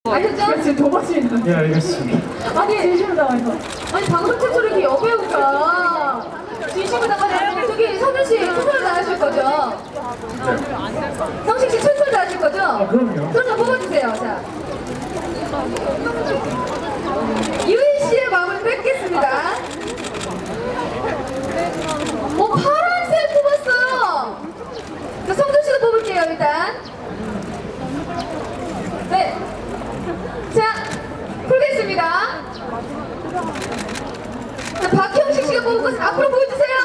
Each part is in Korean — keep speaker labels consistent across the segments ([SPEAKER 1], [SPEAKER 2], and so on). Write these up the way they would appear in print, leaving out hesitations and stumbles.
[SPEAKER 1] 아셨죠?
[SPEAKER 2] 지금 도마시는.
[SPEAKER 3] 예, 알겠습니다.
[SPEAKER 1] 아니,
[SPEAKER 2] 진심을 담아서.
[SPEAKER 1] 아니 방송 최초로 이렇게 여배우가 진심을 담아서 저기 성윤 씨 최선을 다하실 거죠? 성식 씨 최선을 다하실 거죠?
[SPEAKER 3] 그럼요.
[SPEAKER 1] 그럼 좀 뽑아주세요. 자, 유인 씨의 마음을 뺏겠습니다. 파란색 뽑았어요. 자, 성준 씨도 뽑을게요 일단. 네. 자, 풀겠습니다. 자, 박형식 씨가 뽑은 것은 앞으로 보여주세요.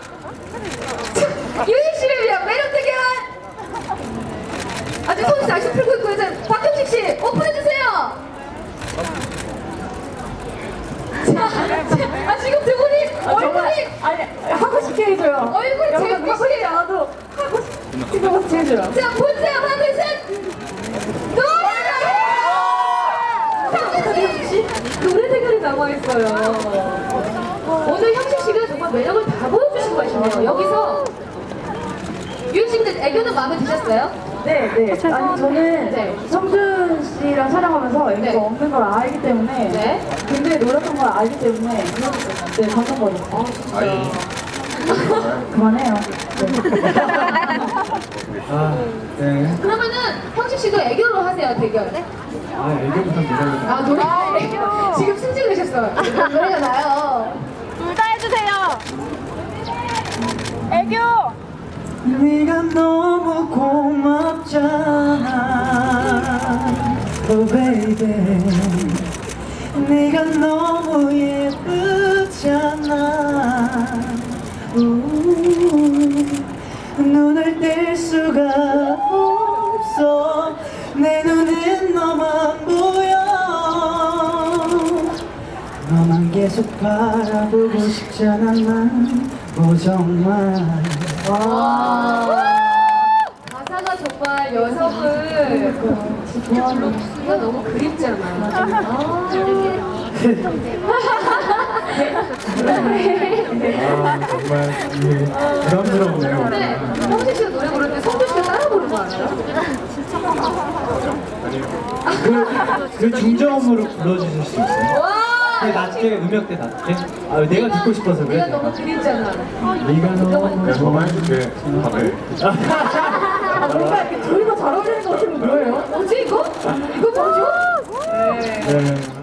[SPEAKER 1] 자, 유희 씨를 위한 매력 대결. 아직 손이 다시 풀고 있고요. 자, 박형식 씨 오픈해주세요. 자, 지금 두 분이 얼굴이
[SPEAKER 2] 아니, 하고 싶게 해줘요.
[SPEAKER 1] 얼굴이 제일
[SPEAKER 2] 여러분, 하고 싶지
[SPEAKER 1] 빛이에요.
[SPEAKER 2] 않아도 하고 싶게 같이 해줘요.
[SPEAKER 1] 자, 보세요. 하나, 둘, 셋. 노래 대결이 남아있어요. 오늘 형식 씨가 정말 매력을 다 보여주신 것이네요. 여기서 유희 씨 근데 애교는 마음에 드셨어요?
[SPEAKER 2] 네. 아니, 저는
[SPEAKER 1] 네.
[SPEAKER 2] 성준 씨랑 촬영하면서 애교가
[SPEAKER 1] 네.
[SPEAKER 2] 없는 걸 알기 때문에
[SPEAKER 1] 네.
[SPEAKER 2] 굉장히 노력한 걸 알기 때문에 네, 방금 거였어요. 그만해요. 네.
[SPEAKER 3] 네.
[SPEAKER 1] 그러면은 형식 씨도 애교로 하세요, 대결.
[SPEAKER 3] 애교부터 노래를.
[SPEAKER 1] 노래. 지금 승진하셨어요. 노래가 나요.
[SPEAKER 4] 둘 다 해주세요. 애교.
[SPEAKER 3] 네가 너무 고맙잖아, oh baby. 네가 너무 예쁘잖아. 눈을 뗄 수가 없어. 내 눈엔 너만 보여. 너만 계속 바라보고 싶잖아 난. 정말.
[SPEAKER 1] 가사가 정말 여성을 좋아하는 너무 그립잖아.
[SPEAKER 3] 정말 부담스럽네요.
[SPEAKER 1] 근데 형식 씨가 노래 부르는데 성준 씨가 따라 부르는 거 알아요?
[SPEAKER 3] 그 중저음으로 불러주실 수 있어요?
[SPEAKER 1] 와!
[SPEAKER 3] 낮게, 음역대 낮게? 내가 듣고 싶어서 그래.
[SPEAKER 1] 네가 너무 그립잖아.
[SPEAKER 3] 네가 너무
[SPEAKER 5] 저만 해줄게. 밥에.
[SPEAKER 2] 뭔가 이렇게 저희가 잘 어울리는 것 같은 거 뭐예요?
[SPEAKER 1] 뭐지 이거? 이거 뭐죠?
[SPEAKER 3] 네.